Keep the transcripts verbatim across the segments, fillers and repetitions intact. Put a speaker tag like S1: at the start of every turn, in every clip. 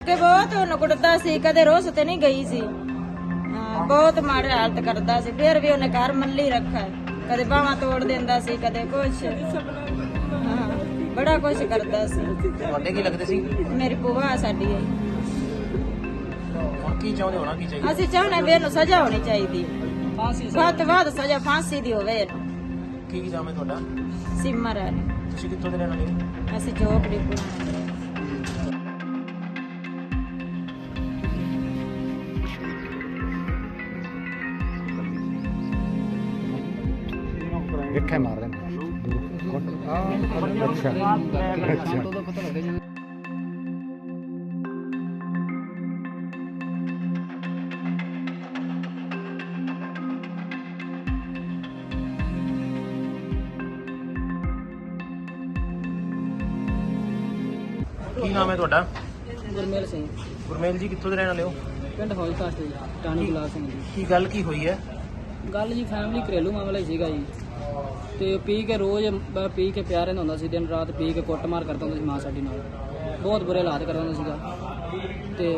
S1: ਕਿ ਬਹੁਤ ਉਹਨੂੰ ਕੁੱਟਦਾ ਸੀ, ਕਦੇ ਰੋਸ ਤੇ ਨਹੀਂ ਗਈ ਸੀ। ਹਾਂ, ਬਹੁਤ ਮਾੜੀ ਹਾਲਤ ਕਰਦਾ ਸੀ। ਫਿਰ ਵੀ ਉਹਨੇ ਘਰ ਮੱਲੀ ਰੱਖਾ, ਕਦੇ ਬਾਹਾਂ ਤੋੜ ਦਿੰਦਾ ਸੀ, ਕਦੇ ਕੁਛ। ਹਾਂ, ਬੜਾ ਕੁਛ ਕਰਦਾ ਸੀ।
S2: ਤੁਹਾਡੇ ਕੀ ਲੱਗਦੇ ਸੀ?
S1: ਮੇਰੀ ਭੂਆ ਸਾਡੀ ਹੈ।
S2: ਹੁਣ ਕੀ ਚਾਹੁੰਦੇ ਹੋਣਾ ਕੀ ਚਾਹੀਦਾ?
S1: ਅਸੀਂ ਚਾਹੁੰਦੇ ਵੀ ਇਹਨੂੰ ਸਜ਼ਾ ਹੋਣੀ ਚਾਹੀਦੀ, ਵੱਧ ਤੋਂ ਵੱਧ ਸਜ਼ਾ ਫਾਂਸੀ ਦੀ ਹੋਵੇ ਇਹਨੂੰ।
S2: ਕੀ ਨਾਮ ਹੈ ਤੁਹਾਡਾ?
S1: ਸਿਮਰ ਹੈ।
S2: ਤੁਸੀਂ ਕਿੱਥੋਂ ਦੇ ਰਹਿਣ ਵਾਲੇ ਹੋ?
S1: ਅਸੀਂ ਚੋਪੜੀ ਪੁਰਾਣਾ।
S3: ਇੱਥੇ ਮਾਰ ਰਹੇ ਨੇ ਅੱਛਾ ਅੱਛਾ
S2: ਕੀ ਨਾਮ ਹੈ ਤੁਹਾਡਾ?
S4: ਗੁਰਮੇਲ ਸਿੰਘ,
S2: ਗੁਰਮੇਲ ਜੀ ਕਿੱਥੋਂ ਦੇ ਰਹਿਣ ਵਾਲੇ ਹੋ?
S4: ਪਿੰਡ ਹੌਲਕਾਸਟ ਜੀ, ਟਾਣੀ ਗੁਲਾਬ ਸਿੰਘ ਜੀ।
S2: ਕੀ ਗੱਲ ਕੀ ਹੋਈ ਹੈ?
S4: ਗੱਲ ਜੀ ਫੈਮਿਲੀ ਘਰੇਲੂ ਮਾਮਲਾ ਹੀ ਸੀਗਾ ਜੀ। ਤੇ ਪੀ ਕੇ ਰੋਜ਼ ਬ- ਪੀ ਕੇ ਪਿਆ ਰਹਿੰਦਾ ਹੁੰਦਾ ਸੀ, ਦਿਨ ਰਾਤ ਪੀ ਕੇ ਕੁੱਟਮਾਰ ਕਰਦਾ ਹੁੰਦਾ ਸੀ ਮਾਂ ਸਾਡੀ ਨਾਲ, ਬਹੁਤ ਬੁਰੇ ਹਾਲਾਤ ਕਰਦਾ ਹੁੰਦਾ ਸੀਗਾ। ਤੇ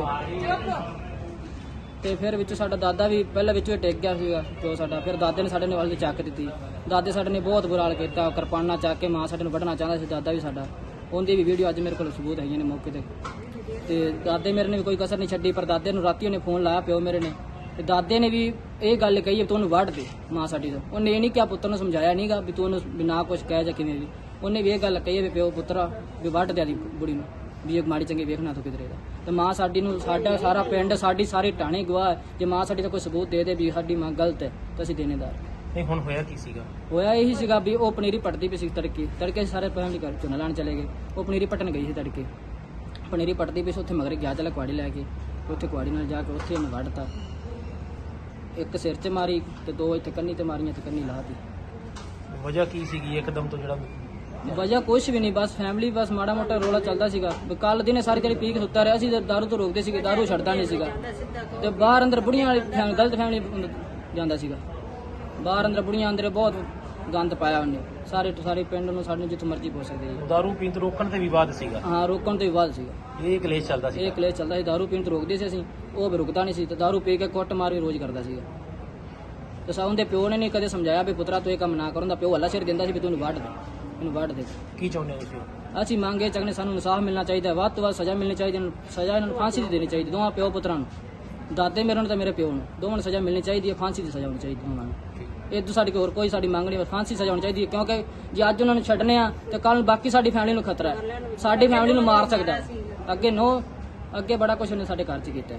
S4: ਤੇ ਫਿਰ ਵਿੱਚ ਸਾਡਾ ਦਾਦਾ ਵੀ ਪਹਿਲਾਂ ਵਿੱਚੋਂ ਹੀ ਟਿਕ ਗਿਆ ਸੀਗਾ ਪਿਓ ਸਾਡਾ। ਫਿਰ ਦਾਦੇ ਨੇ ਸਾਡੇ ਨੇ ਵੱਲ ਚੱਕ ਦਿੱਤੀ। ਦਾਦੇ ਸਾਡੇ ਨੇ ਬਹੁਤ ਬੁਰਾ ਹਾਲ ਕੀਤਾ, ਕਿਰਪਾਨਾਂ ਚੱਕ ਕੇ ਮਾਂ ਸਾਡੇ ਨੂੰ ਵੱਢਣਾ ਚਾਹੁੰਦਾ ਸੀ ਦਾਦਾ ਵੀ ਸਾਡਾ। ਉਹਦੀ ਵੀ ਵੀਡੀਓ ਅੱਜ ਮੇਰੇ ਕੋਲ ਸਬੂਤ ਹੈਗੀਆਂ ਨੇ ਮੌਕੇ ਤੇ। ਤੇ ਦਾਦੇ ਮੇਰੇ ਨੇ ਵੀ ਕੋਈ ਕਸਰ ਨਹੀਂ ਛੱਡੀ, ਪਰ ਦਾਦੇ ਨੂੰ ਰਾਤੀ ਉਹਨੇ ਫੋਨ ਲਾਇਆ ਪਿਓ ਮੇਰੇ ਨੇ, ਤੇ ਦਾਦੇ ਨੇ ਵੀ ਇਹ ਗੱਲ ਕਹੀ ਵੀ ਤੂੰ ਉਹਨੂੰ ਵੱਢ ਦੇ ਮਾਂ ਸਾਡੀ ਤੋਂ। ਉਹਨੇ ਇਹ ਨਹੀਂ ਕਿਹਾ, ਪੁੱਤਰ ਨੂੰ ਸਮਝਾਇਆ ਨਹੀਂਗਾ ਵੀ ਤੂੰ ਉਹਨੂੰ ਬਿਨਾ ਕੁਛ ਕਹਿ ਜਾਂ ਕਿਵੇਂ ਵੀ। ਉਹਨੇ ਵੀ ਇਹ ਗੱਲ ਕਹੀ ਵੀ ਪਿਓ ਪੁੱਤਰਾ ਵੀ ਵੱਢ ਦੇ ਦੀ ਬੁੜੀ ਨੂੰ, ਵੀ ਇਹ ਮਾੜੀ ਚੰਗੀ ਵੇਖਣਾ ਤੂੰ ਕਿਧਰੇ ਦਾ। ਤੇ ਮਾਂ ਸਾਡੀ ਨੂੰ, ਸਾਡਾ ਸਾਰਾ ਪਿੰਡ, ਸਾਡੀ ਸਾਰੀ ਟਾਣੀ ਗਵਾਹ ਹੈ। ਜੇ ਮਾਂ ਸਾਡੀ ਦਾ ਕੋਈ ਸਬੂਤ ਦੇ ਦੇ ਵੀ ਸਾਡੀ ਮਾਂ ਗਲਤ ਹੈ ਤਾਂ ਅਸੀਂ ਦੇਣੇਦਾਰ।
S2: ਨਹੀਂ ਹੁਣ ਹੋਇਆ ਕੀ ਸੀਗਾ?
S4: ਹੋਇਆ ਇਹੀ ਸੀਗਾ ਵੀ ਉਹ ਪਨੀਰੀ ਪੱਟਦੀ ਪਈ ਸੀ ਤੜਕੇ ਤੜਕੇ ਸਾਰੇ ਫੈਮਿਲੀ ਘਰ ਝੋਨਾ ਲਾਉਣ ਚਲੇ ਗਏ। ਉਹ ਪਨੀਰੀ ਪੱਟਣ ਗਈ ਸੀ ਤੜਕੇ, ਪਨੀਰੀ ਪੱਟਦੀ ਪਈ ਸੀ। ਉੱਥੇ ਮਗਰ ਗਿਆ ਚਲਾ ਕੁਆੜੀ ਲੈ ਕੇ, ਉੱਥੇ ਕੁਆੜੀ ਨਾਲ ਜਾ ਕੇ ਉੱਥੇ ਉਹਨੂੰ ਵੱਢਤਾ। ਇੱਕ ਸਿਰ 'ਚ ਮਾਰੀ ਤੇ ਦੋ ਇੱਥੇ ਕੰਨੀ ਤੇ ਮਾਰੀਆਂ ਤੇ ਕੰਨੀ ਲਾਹਤੀ।
S2: ਵਜ੍ਹਾ ਕੀ ਸੀਗੀ ਇੱਕਦਮ ਤੋਂ ਜਿਹੜਾ?
S4: ਵਜ੍ਹਾ ਕੁਛ ਵੀ ਨਹੀਂ, ਬਸ ਫੈਮਿਲੀ, ਬਸ ਮਾੜਾ ਮੋਟਾ ਰੋਲਾ ਚੱਲਦਾ ਸੀਗਾ। ਕੱਲ ਦਿਨੇ ਸਾਰੀ ਜਿਹੜੀ ਪੀ ਕੇ ਸੁੱਤਾ ਰਿਹਾ ਸੀ ਤੇ ਦਾਰੂ ਤੋਂ ਰੋਕਦੇ ਸੀਗੇ, ਦਾਰੂ ਛੱਡਦਾ ਨਹੀਂ ਸੀਗਾ। ਤੇ ਬਾਹਰ ਅੰਦਰ ਬੁੜੀਆਂ ਵਾਲੀ ਫੈਮਿਲੀ, ਗਲਤ ਫੈਮਿਲੀ ਜਾਂਦਾ ਸੀਗਾ। ਬਾਹਰ ਅੰਦਰ ਬੁੜੀਆਂ ਅੰਦਰ ਬਹੁਤ ਗੰਦ ਪਾਇਆ ਉਹਨੇ। ਸਾਰੇ ਸਾਰੇ ਪਿੰਡ ਨੂੰ, ਸਾਡੇ ਨੂੰ ਜਿੱਥੇ ਮਰਜ਼ੀ ਪਹੁੰਚ ਸਕਦੇ ਜੀ।
S2: ਦਾਰੂ ਪੀਣ ਤੋਂ ਰੋਕਣ ਤੇ ਵਿਵਾਦ ਸੀਗਾ?
S4: ਹਾਂ, ਰੋਕਣ ਤੋਂ ਵੀ ਬਾਅਦ ਸੀਗਾ
S2: ਇਹ ਕਲੇਸ਼ ਚੱਲਦਾ ਸੀ?
S4: ਇਹ ਕਲੇਸ਼ ਚੱਲਦਾ ਸੀ। ਦਾਰੂ ਪੀਣ ਤੋਂ ਰੋਕਦੇ ਸੀ ਅਸੀਂ, ਉਹ ਵੀ ਰੁਕਦਾ ਨਹੀਂ ਸੀ। ਤੇ ਦਾਰੂ ਪੀ ਕੇ ਕੁੱਟ ਮਾਰ ਵੀ ਰੋਜ਼ ਕਰਦਾ ਸੀਗਾ। ਤੇ ਸਾਉਂ ਦੇ ਪਿਓ ਨੇ ਨਹੀਂ ਕਦੇ ਸਮਝਾਇਆ ਵੀ ਪੁੱਤਰਾ ਤੂੰ ਇਹ ਕੰਮ ਨਾ ਕਰਨ ਦਾ। ਪਿਓ ਹੱਲਾ ਸਿਰ ਦਿੰਦਾ ਸੀ ਵੀ ਤੂੰ ਇਹਨੂੰ ਵੱਢ ਦੇ, ਇਹਨੂੰ ਵੱਢ ਦੇ।
S2: ਕੀ ਚਾਹੁੰਦੇ ਹੋ ਤੁਸੀਂ?
S4: ਅਸੀਂ ਮੰਗੇ ਚੱਕਨੇ, ਸਾਨੂੰ ਇਨਸਾਫ ਮਿਲਣਾ ਚਾਹੀਦਾ, ਵੱਧ ਤੋਂ ਵੱਧ ਸਜ਼ਾ ਮਿਲਣੀ ਚਾਹੀਦੀ। ਇਹਨੂੰ ਸਜ਼ਾ, ਇਹਨਾਂ ਨੂੰ ਫਾਂਸੀ ਦੀ ਦੇਣੀ ਚਾਹੀਦੀ, ਦੋਵਾਂ ਪਿਓ ਪੁੱਤਰਾਂ ਨੂੰ, ਦਾਦੇ ਮੇਰੇ ਨੂੰ ਤੇ ਮੇਰੇ ਪਿਓ ਨੂੰ, ਦੋਵਾਂ ਨੂੰ ਸਜ਼ਾ ਮਿਲਣੀ ਚਾਹੀਦੀ ਹੈ। ਫਾਂਸੀ ਦੀ ਸਜ਼ਾ ਹੋਣੀ ਚਾਹੀਦੀ ਉਹਨਾਂ ਨੂੰ। ਇਹ ਤੋਂ ਸਾਡੀ ਹੋਰ ਕੋਈ ਸਾਡੀ ਮੰਗ ਨਹੀਂ, ਬਸ ਫਾਂਸੀ ਸਜ਼ਾ ਹੋਣੀ ਚਾਹੀਦੀ ਹੈ। ਕਿਉਂਕਿ ਜੇ ਅੱਜ ਉਹਨਾਂ ਨੂੰ ਛੱਡਨੇ ਆ ਤੇ ਕੱਲ ਬਾਕੀ ਸਾਡੀ ਫੈਮਿਲੀ ਨੂੰ ਖਤਰਾ ਹੈ। ਸਾਡੀ ਫੈਮਿਲੀ ਨੂੰ ਮਾਰ ਸਕਦਾ ਹੈ। ਅੱਗੇ ਨੋ ਅੱਗੇ ਬੜਾ ਕੁਝ ਉਹਨੇ ਸਾਡੇ ਘਰ 'ਚ ਕੀਤਾ ਹੈ।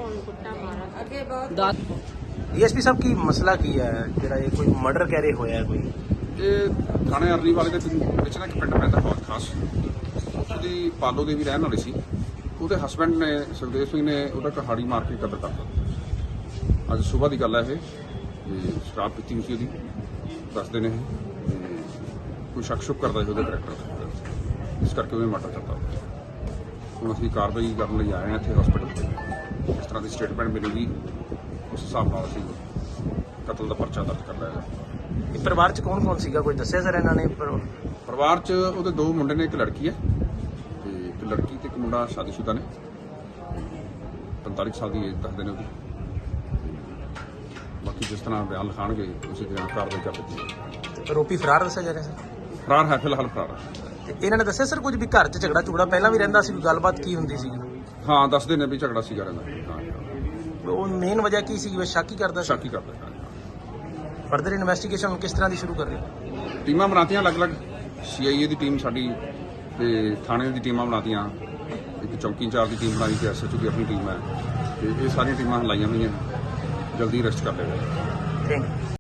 S4: ਦਾ
S2: ਡੀਐਸਪੀ ਸਾਹਿਬ ਕੀ ਮਸਲਾ ਕੀ ਹੈ ਜਿਹੜਾ ਇਹ ਕੋਈ ਮਰਡਰ ਕਹਿ ਰਹੇ ਹੋਇਆ ਹੈ ਕੋਈ?
S5: ਇਹ ਥਾਣੇ ਅਰਲੀ ਵਾਲੇ ਦੇ ਵਿੱਚ ਨਾ ਇੱਕ ਪਿੰਡ ਪੈਂਦਾ ਬਹੁਤ ਖਾਸ, ਉਹਦੀ ਪਾਲੋ ਦੇ ਵੀ ਰਹਿਣ ਵਾਲੀ ਸੀ। ਉਹਦੇ ਹਸਬੈਂਡ ਨੇ, ਸੁਖਦੇਵ ਸਿੰਘ ਨੇ, ਉਹਦਾ ਕਹਾੜੀ ਮਾਰ ਕੇ ਕਤਲ ਕਰਤਾ। ਅੱਜ ਸਵੇਰ ਦੀ ਗੱਲ ਹੈ ਇਹ। ਤੇ ਸ਼ਰਾਬ ਪੀਤੀ ਹੋਈ ਸੀ ਉਹਦੀ, ਦੱਸਦੇ ਨੇ ਇਹ। ਤੇ ਕੋਈ ਸ਼ੱਕ ਸ਼ੁਕ ਕਰਦਾ ਸੀ ਉਹਦੇ ਕਰੈਕਟਰ, ਇਸ ਕਰਕੇ ਉਹਨੇ ਮਰਡਰ ਕਰਤਾ। ਹੁਣ ਅਸੀਂ ਕਾਰਵਾਈ ਕਰਨ ਲਈ ਆਏ ਹਾਂ ਇੱਥੇ ਹਸਪੀਟਲ ਤੇ। ਇਸ ਤਰ੍ਹਾਂ ਦੀ ਸਟੇਟਮੈਂਟ ਮਿਲੇਗੀ, ਉਸ ਹਿਸਾਬ ਨਾਲ ਅਸੀਂ ਕਤਲ ਦਾ ਪਰਚਾ ਦਰਜ ਕਰ ਲਿਆ।
S2: ਇਹ ਪਰਿਵਾਰ ਚ ਕੌਣ ਕੌਣ ਸੀਗਾ, ਕੋਈ ਦੱਸਿਆ ਸਰ ਇਹਨਾਂ ਨੇ? ਪਰ-
S5: ਪਰਿਵਾਰ 'ਚ ਉਹਦੇ ਦੋ ਮੁੰਡੇ ਨੇ, ਇੱਕ ਲੜਕੀ ਹੈ। ਤੇ ਇੱਕ ਲੜਕੀ ਤੇ ਇੱਕ ਮੁੰਡਾ ਸ਼ਾਦੀशुदा ਨੇ। ਪੰਤਾਲੀ ਸਾਲ ਦੀ ਏਜ ਦੱਸਦੇ ਨੇ ਉਹਦੀ। ਬਾਕੀ ਜਿਸ ਤਰ੍ਹਾਂ ਬਿਆਨ ਲਿਖਾਣਗੇ ਉਸੇ ਤਰ੍ਹਾਂ ਕਾਰਵਾਈ ਕਰ ਦਿੱਤੀ ਜਾਏਗੀ।
S2: ਆਰੋਪੀ ਫਰਾਰ ਦੱਸਿਆ ਜਾ ਰਿਹਾ ਸਰ?
S5: ਫਰਾਰ ਹੈ, ਫਿਲਹਾਲ ਫਰਾਰ ਹੈ।
S2: ਤੇ ਇਹਨਾਂ ਨੇ ਦੱਸਿਆ ਸਰ ਕੁਝ ਵੀ ਘਰ ਚ ਝਗੜਾ ਝੁਗੜਾ ਪਹਿਲਾਂ ਵੀ ਰਹਿੰਦਾ ਸੀ, ਗੱਲਬਾਤ ਕੀ ਹੁੰਦੀ ਸੀ?
S5: ਹਾਂ, ਦੱਸਦੇ ਨੇ ਵੀ ਝਗੜਾ ਸੀਗਾ ਰਹਿੰਦਾ। ਹਾਂ,
S2: ਉਹ ਮੇਨ ਵਜ੍ਹਾ ਕੀ ਸੀ? ਬਸ ਸ਼ੱਕ ਹੀ ਕਰਦਾ ਸੀ?
S5: ਸ਼ੱਕ ਹੀ ਕਰਦਾ ਹੈ।
S2: ਫਰਦਰ ਇਨਵੈਸਟੀਗੇਸ਼ਨ ਕਿਸ ਤਰ੍ਹਾਂ ਦੀ ਸ਼ੁਰੂ ਕਰ ਰਹੇ ਹੋ?
S5: ਟੀਮਾਂ ਬਣਾਤੀਆਂ ਅਲੱਗ-ਅਲੱਗ, ਸੀਆਈਏ ਦੀ ਟੀਮ ਸਾਡੀ ਤੇ ਥਾਣੇ ਦੀ ਟੀਮਾਂ ਬਣਾਤੀਆਂ। ਇੱਕ ਚੌਕੀ ਇੰਚਾਰਜ ਦੀ ਟੀਮ ਬਣਾਈ ਤੇ ਐਸਐਚਓ ਦੀ ਆਪਣੀ ਟੀਮ ਹੈ। ਤੇ ਇਹ ਸਾਰੀਆਂ ਟੀਮਾਂ ਲਾਈਆਂ ਹੋਈਆਂ, ਜਲਦੀ ਅਰੈਸਟ ਕਰ ਲਏਗਾ।
S2: Thank you.